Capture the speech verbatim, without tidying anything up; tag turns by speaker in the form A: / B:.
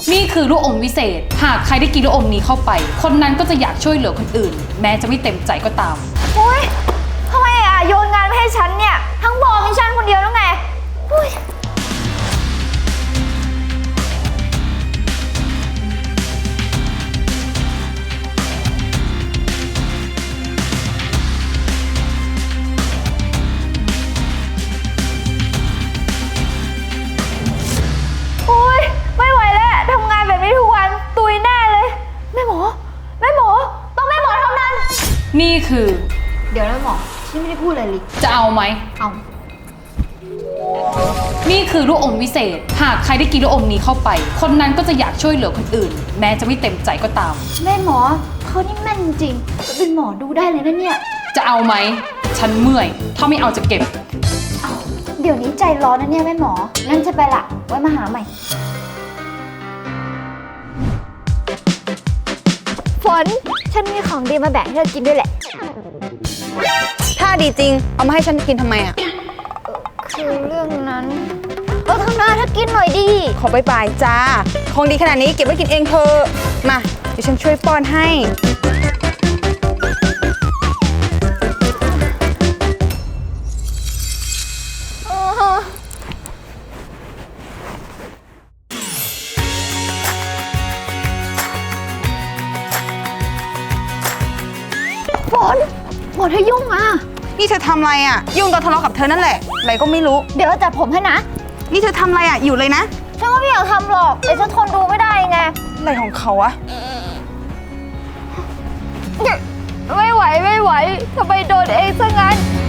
A: นี่คือลูกอมวิเศษหากใครได้กินลูกอมนี้เข้าไปคนนั้นก็จะอยากช่วยเหลือคนอื่นแม้จะไม่เต็มใจก็ตาม
B: โอ๊ยทำไมอ่ะโยนงานมาให้ฉันเนี่ยทั้งบอมีฉันคนเดียวแล้วไงอุ๊ยไม่ไหวแล้วทำงานแบบนี้ทุกวันตุยแน่เลยแม่หมอแม่หมอต้องแม่หมอเท่านั้น
A: นี่คือ
B: เดี๋ยวนะหมอฉันไม่ได้พูดอะไรเลย
A: จะเอาไหม
B: เอา
A: นี่คือลูกอมวิเศษหากใครได้กินลูกอมนี้เข้าไปคนนั้นก็จะอยากช่วยเหลือคนอื่นแม้จะไม่เต็มใจก็ตาม
B: แม่หมอเขานี่แม่นจริงเป็นหมอดูได้เลยนะเนี่ย
A: จะเอาไหมฉันเมื่อยถ้าไม่เอาจะเก็บ
B: เอาเดี๋ยวนี้ใจร้อนนะเนี่ยแม่หมองั้นจะไปละไว้มาหาใหม่ฝนฉันมีของดีมาแบ่งให้เธอกินด้วยแหละ
C: ถ้าดีจริงเอามาให้ฉันกินทำไมอ่ะ
B: คือเรื่องนั้นเออทำหน้าถ้ากินหน่อยดี
C: ขอไปปลายจ้าของดีขนาดนี้เก็บไว้กินเองเธอมาเดี๋ยวฉันช่วยป้อนให้
B: ฝนฝนเธอยุ่งอ่ะ
C: นี่เธอทำอะไรอ่ะยุ่งตอนทะเลาะกับเธอนั่นแหละอะไรก็ไม่รู้
B: เดี๋ยวเราจัดผมให้นะ
C: นี่เธอทำอะไรอ่ะอยู่เลยนะ
B: ฉันก็ไม่อยากทำหรอกแต่ฉันทนดูไม่ได้ไง
C: อะไรของเขาอะ
B: ไม่ไหวไม่ไหวทำไมโดนเองซะงั้น